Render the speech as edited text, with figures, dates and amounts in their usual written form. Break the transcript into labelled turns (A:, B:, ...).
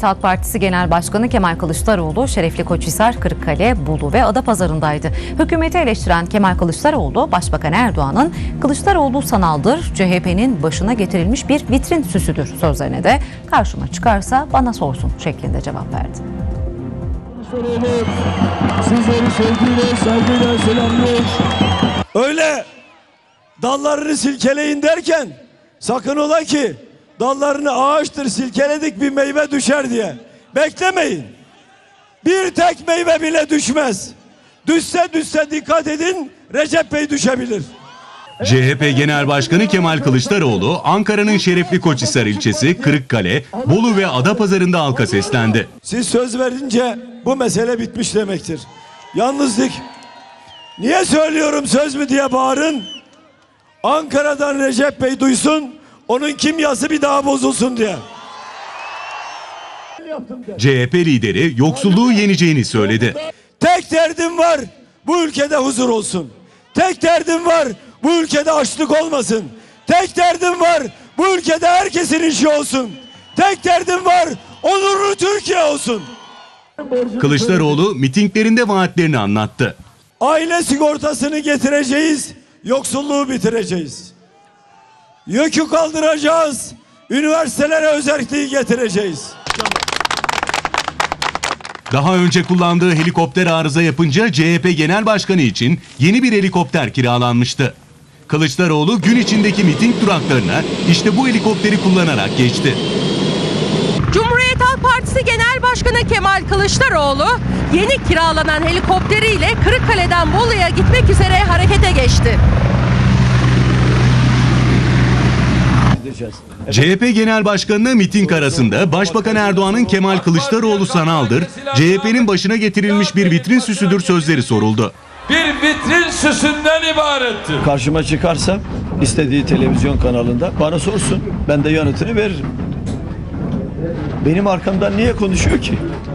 A: Halk Partisi Genel Başkanı Kemal Kılıçdaroğlu, Şereflikoçhisar, Kırıkkale, Bolu ve Adapazarı'ndaydı. Hükümeti eleştiren Kemal Kılıçdaroğlu, Başbakan Erdoğan'ın "Kılıçdaroğlu sanaldır, CHP'nin başına getirilmiş bir vitrin süsüdür" sözlerine de "karşıma çıkarsa bana sorsun" şeklinde cevap verdi.
B: Sizleri sevgiyle, saygıyla selamlıyor.
C: Öyle dallarını silkeleyin derken sakın ola ki dallarını ağaçtır silkeledik bir meyve düşer diye beklemeyin. Bir tek meyve bile düşmez. Düşse dikkat edin, Recep Bey düşebilir.
D: CHP Genel Başkanı Kemal Kılıçdaroğlu, Ankara'nın Şereflikoçhisar ilçesi, Kırıkkale, Bolu ve Adapazarı'nda halka seslendi.
C: Siz söz verince bu mesele bitmiş demektir. Yalnızlık. Niye söylüyorum söz mü diye bağırın. Ankara'dan Recep Bey duysun, onun kimyası bir daha bozulsun diye.
D: CHP lideri yoksulluğu yeneceğini söyledi.
C: Tek derdim var, bu ülkede huzur olsun. Tek derdim var, bu ülkede açlık olmasın. Tek derdim var, bu ülkede herkesin işi olsun. Tek derdim var, onurlu Türkiye olsun.
D: Kılıçdaroğlu mitinglerinde vaatlerini anlattı.
C: Aile sigortasını getireceğiz, yoksulluğu bitireceğiz. Yükü kaldıracağız, üniversitelere özelliği getireceğiz.
D: Daha önce kullandığı helikopter arıza yapınca CHP Genel Başkanı için yeni bir helikopter kiralanmıştı. Kılıçdaroğlu gün içindeki miting duraklarına işte bu helikopteri kullanarak geçti.
E: Cumhuriyet Halk Partisi Genel Başkanı Kemal Kılıçdaroğlu yeni kiralanan helikopteriyle Kırıkkale'den Bolu'ya gitmek üzere harekete geçti.
D: CHP Genel Başkanı'na miting arasında Başbakan Erdoğan'ın "Kemal Kılıçdaroğlu sanaldır, CHP'nin başına getirilmiş bir vitrin süsüdür" sözleri soruldu.
B: Bir vitrin süsünden ibarettir.
F: Karşıma çıkarsa istediği televizyon kanalında bana sorsun, ben de yanıtını veririm. Benim arkamdan niye konuşuyor ki?